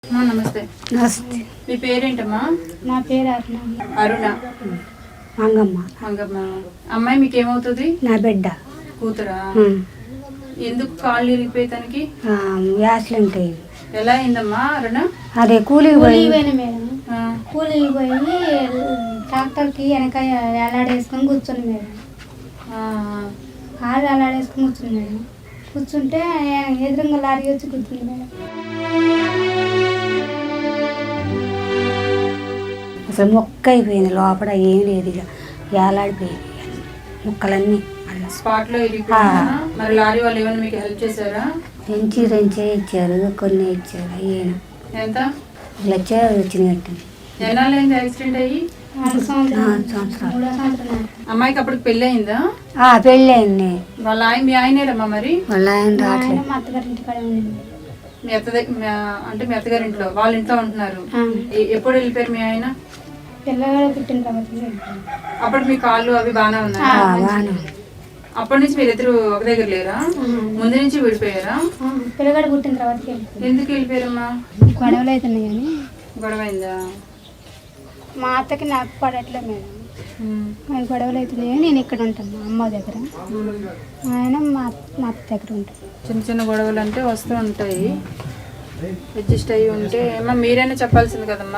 నమస్తే. నమస్తే. మీ పేరేంటమ్మా? నా పేరు అరుణ. మంగమ్మ. మంగమ్మ. అమ్మాయి మీకు ఏమవుతుంది? నా బిడ్డ కూతురా? ఎందుకు కాళ్ళు ఇరిగిపోయి తనకి? యాక్సిడెంట్ అయింది. ఎలా అయిందమ్మా అరుణ? అదే కూలికి పోయిన మేడం. కూలికి పోయి ట్రాక్టర్కి వెనక ఎలాడేసుకొని కూర్చొని మేడం. కాళ్ళు ఎలాడేసుకొని కూర్చుని మేడం. కూర్చుంటే ఎదురుగా లారీ వచ్చి కూర్చుంది మేడం. అసలు మొక్క అయిపోయింది, లోపల ఏం లేదు, ఇక ఏలాడిపోయింది ముక్కలన్నీ. స్పాట్ లో ఇరిగిపోయిందా? మరి లారీ వాళ్ళు ఏమైనా మీకు హెల్ప్ చేశారా? రెంచే ఇచ్చారు, కొన్ని ఇచ్చారు. ఈయన ఎంత లక్ష వచ్చినట్టు. ఎన్నాళ్ళైంది యాక్సిడెంట్ అయ్యి? 4 సంవత్సరాలు. అమ్మాయికి అప్పుడు పెళ్ళి అయిందా? పెళ్ళి అయింది. వాళ్ళ ఆయన మీ ఆయనేరమ్మా? మరి వాళ్ళ ఆయన రావట్లేదు. మా అత్తగారింటి కాడ ఉంది. మీ అంటే మీ అత్తగారి ఇంట్లో, వాళ్ళ ఇంట్లో ఉంటున్నారు. ఎప్పుడు వెళ్ళిపోయారు మీ ఆయన? పిల్లగాడు పుట్టిన తర్వాత. అప్పుడు మీ కాళ్ళు అవి బాగానే ఉన్నాయి? అప్పటి నుంచి మీరు ఇద్దరు ఒక దగ్గర లేరా? ముందు నుంచి విడిపోయారా? పిల్లగాడు పుట్టిన తర్వాత. ఎందుకు వెళ్ళిపోయారమ్మా? గొడవలు అవుతున్నాయి కానీ. గొడవ అయిందా? మా అత్తకి నాకు పడట్లే మేడం. గొడవలు అవుతున్నాయి. నేను ఇక్కడ ఉంటాను మా అమ్మ దగ్గర, ఆయన మా అత్త దగ్గర ఉంటాను. చిన్న చిన్న గొడవలు అంటే వస్తూ ఉంటాయి, అడ్జస్ట్ అయ్యి ఉంటే. అమ్మా మీరైనా చెప్పాల్సింది కదమ్మా.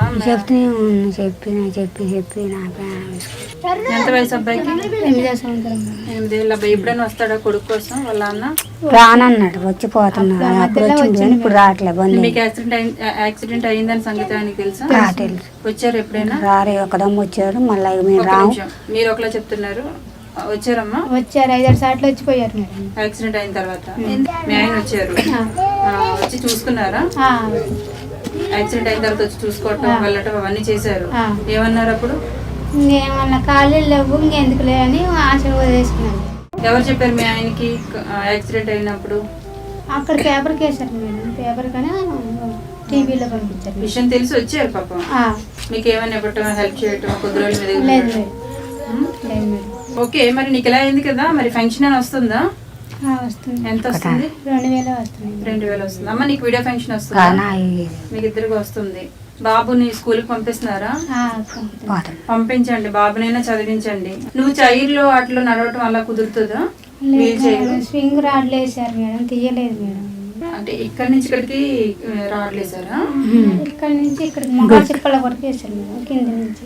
చెప్పి ఎంత వయసు అబ్బాయికి? 8వ సంవత్సరం. 8 ఏళ్ళ అబ్బాయి. ఎప్పుడైనా వస్తాడా కొడుకు కోసం వాళ్ళ అన్న? రానన్నాడు, వచ్చిపోతున్నాడు, ఇప్పుడు రావట్లేదు. మీకు యాక్సిడెంట్ అయిందని సంగతి ఆయనకి తెలుసా? తెలుసు. వచ్చారు ఎప్పుడైనా? రారే, ఒకదమ్మ వచ్చారు, మళ్ళీ మేము రాము. మీరు ఒకలా చెప్తున్నారు. వచ్చారమ్మా? వచ్చారు, 5-6 సార్లు వచ్చిపోయారు మేడం. యాక్సిడెంట్ అయిన తర్వాత మీ ఆయన వచ్చారు, వచ్చి చూసుకున్నారా? యాక్సిడెంట్ అయిన తర్వాత వచ్చి చూసుకోవటం, వెళ్ళటం అవన్నీ చేశారు. ఏమన్నారు అప్పుడు? ఏమన్నా ఖాళీ లేవు, ఇంకెందుకులే అని ఆశ వదిలేసుకున్నాను. ఎవరు చెప్పారు మీ ఆయనకి యాక్సిడెంట్ అయినప్పుడు? అక్కడ పేపర్కి వేశారు మేడం. పేపర్ కానీ టీవీలో పంపించారు. విషయం తెలిసి వచ్చారు పాపం. మీకు ఏమైనా ఇవ్వటం, హెల్ప్ చేయటం కొద్ది రోజుల మీద? లేదు మేడం. ఓకే. మరి నీకు ఎలా అయింది కదా, మరి ఫంక్షన్ అని వస్తుందా? వస్తుంది. ఎంత వస్తుంది? 2000 వస్తుంది. 2000 వస్తుంది. అమ్మ నీకు వీడియో ఫంక్షన్ వస్తుందా? మీకు ఇద్దరికి వస్తుంది. బాబుని స్కూల్కి పంపిస్తున్నారా? పంపించండి, బాబునైనా చదివించండి. నువ్వు చైర్లో అట్లా నడవటం అలా కుదురుతుందా? స్వింగ్ రాడ్లు వేసారు మేడం, తీయలేదు మేడం. అంటే ఇక్కడ నుంచి ఇక్కడికి రాడ్లు వేసారా? ఇక్కడ నుంచి ఇక్కడికి మొక్కల చిప్పల వరకు వేసారు మేడం. కింద నుంచి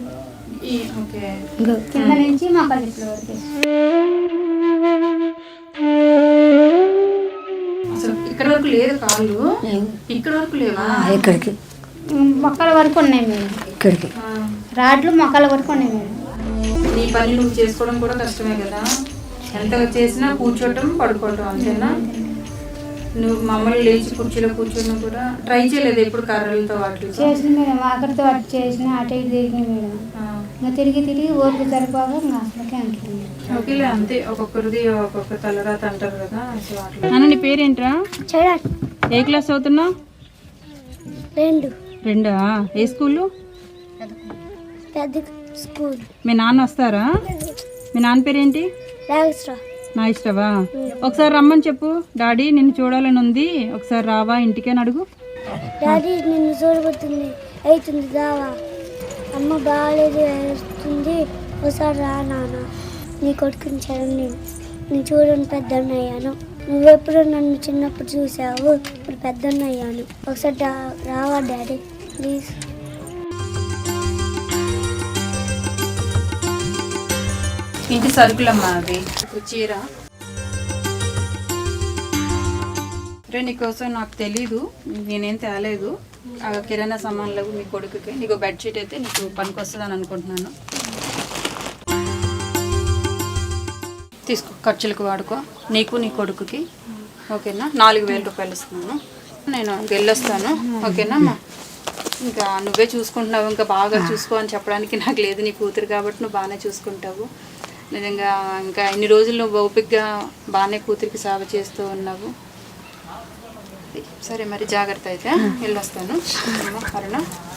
కింద నుంచి మొక్కల చిప్పల వరకు వేసారు. అసలు ఇక్కడ వరకు లేదు కాళ్ళు? ఇక్కడ వరకు లేవా? ఇక్కడికి మొక్కల వరకు ఉన్నాయి మేడం. ఇక్కడికి రాడ్లు మొక్కల వరకు ఉన్నాయి మేడం. నీ పని నువ్వు చేసుకోవడం కూడా కష్టమే కదా. ఎంత చేసినా కూర్చోవటం, పడుకోవటం అంతేనా? నువ్వు మమ్మల్ని లేచి కుర్చీలో కూర్చోడం కూడా ట్రై చేయలేదు ఎప్పుడు? కర్రలతో వాటితో చేసిన మేడం, ఆఖరితో వాటి చేసిన అటు ఇటు తిరిగి మేడం. ఇంకా తిరిగి ఓపిక సరిపోగా ఇంకా అసలుకే అంటుంది. ఓకేలే, అంతే. ఒక్కొక్కరిది ఒక్కొక్క తలరాత అంటారు కదా. అన్న నీ పేరేంట్రా? ఏ క్లాస్ చదువుతున్నావు? 2. ఏ స్కూలు? స్కూల్. మీ నాన్న వస్తారా? మీ నాన్న పేరేంటి? నాయిష్టవా? ఒకసారి రమ్మని చెప్పు. డాడీ నిన్ను చూడాలని ఉంది, ఒకసారి రావా ఇంటికి అని అడుగు. డాడీ నిన్ను చూడబోతుంది అవుతుంది, రావా. అమ్మ బాగాలేదు, వేస్తుంది, ఒకసారి రా నాన్న. నీ కొడుకుని చదవండి, నేను చూడని పెద్దన్నయ్యాను. నువ్వెప్పుడు నన్ను చిన్నప్పుడు చూసావు, ఇప్పుడు పెద్దన్నయ్యాను. ఒకసారి రావా డాడీ ప్లీజ్. ఇంటి సరుకులమ్మా అవి. చీర రే, నీకోసం నాకు తెలీదు, నేనేం తేలేదు. కిరాణా సామాన్లు మీ కొడుకుకి. నీకు బెడ్షీట్ అయితే నీకు పనికి వస్తుందని అనుకుంటున్నాను. తీసుకో, ఖర్చులకు వాడుకో, నీకు నీ కొడుకుకి. ఓకేనా? 4000 రూపాయలు ఇస్తున్నాను. నేను వెళ్ళొస్తాను. ఓకేనా అమ్మా? ఇంకా నువ్వే చూసుకుంటున్నావు, ఇంకా బాగా చూసుకో అని చెప్పడానికి నాకు లేదు. నీ కూతురు కాబట్టి నువ్వు బాగానే చూసుకుంటావు. నిజంగా ఇంకా ఇన్ని రోజులు నువ్వు ఓపికగా బాగానే కూతురికి సేవ చేస్తూ ఉన్నావు. సరే మరి జాగ్రత్త అయితే, వెళ్ళొస్తాను. అరుణ.